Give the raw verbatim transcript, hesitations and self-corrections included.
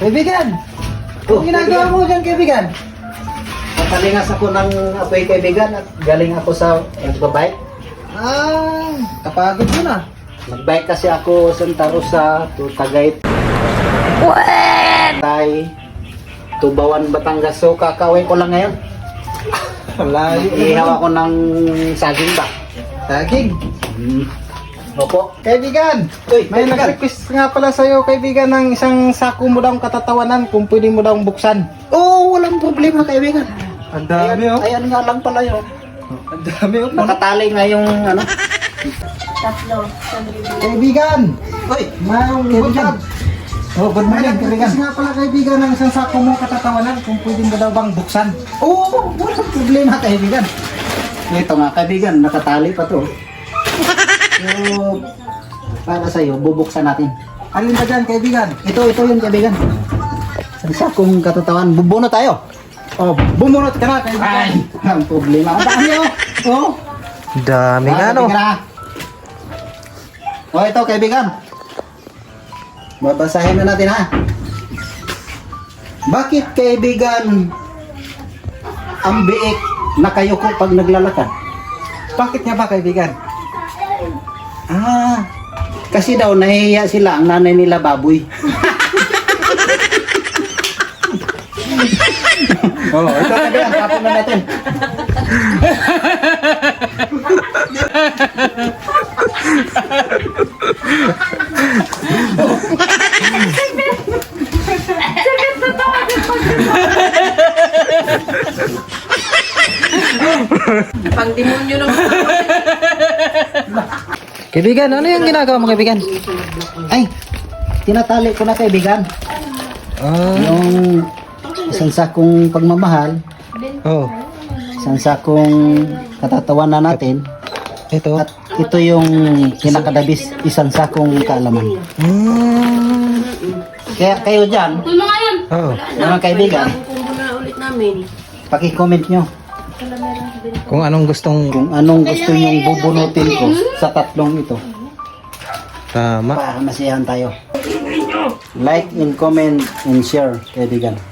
Kaibigan! Oh, Anong ginagawa mo dyan, kaibigan? Nakalingas ako ng apoy kaibigan at galing ako sa nagbabike. Ah, kapagod mo na. Nagbike kasi ako Santa Rosa to Tagaytay. Tay, Tubawan, Batangas. So kakawin ko lang ngayon. Malayo. Ihaw ako ng saging ba? Saging. Hmm. Opo. Kaibigan! Uy, May kaibigan. nag-request nga pala sa'yo, kaibigan, ng isang sako mo daw katatawanan kung pwede mo daw buksan. Oo, oh, walang problema kaibigan. Ang dami, Ayan, oh. ayan nga lang pala yun. Ang dami, oh. Nakatali nga yung ano. Tatlo. Kaibigan! Uy, Mayroong kaibigan. Oh, good May morning, kaibigan. nag-request nga pala, kaibigan, ng isang sako mo katatawanan kung pwede mo daw bang buksan. Oo, oh, walang problema kaibigan. Ito nga kaibigan, nakatali pa to. So, para sa'yo, bubuksan natin. Alin ba dyan, kaibigan? Ito, ito yung kaibigan. Sa sakong katatawan, bubuno tayo. Oh, bumunot ka na, kaibigan. Ay, ang problema. Ang dami oh. Oh. Dami Ah, tingnan na. Oh, ito kaibigan. Babasahin na natin ha. Bakit kaibigan ang biik nakayuko pag naglalakad? Bakit nga ba, kaibigan? Ah, kasi daw nahihiya sila ang nanay nila baboy. Oh, ito kaibigan, tapon na natin. Pang demonyo ng Kaibigan, ano yung ginagawa mo, kaibigan? Ay, tinatali ko na kaibigan. Ah, Yung isang sakong pagmamahal, oh. isang sakong katatawan na natin, Ito. at ito yung kinakadabis, isang sakong kaalaman. Mm. Kaya kayo dyan, Kung mga yun. Oh. mga kaibigan, Kukumpun na ulit namin. paki-comment nyo Kung anong gustong kung anong gusto nyong bubunutin ko sa tatlong ito tama. para masiyahan tayo. Like and comment and share, kaibigan.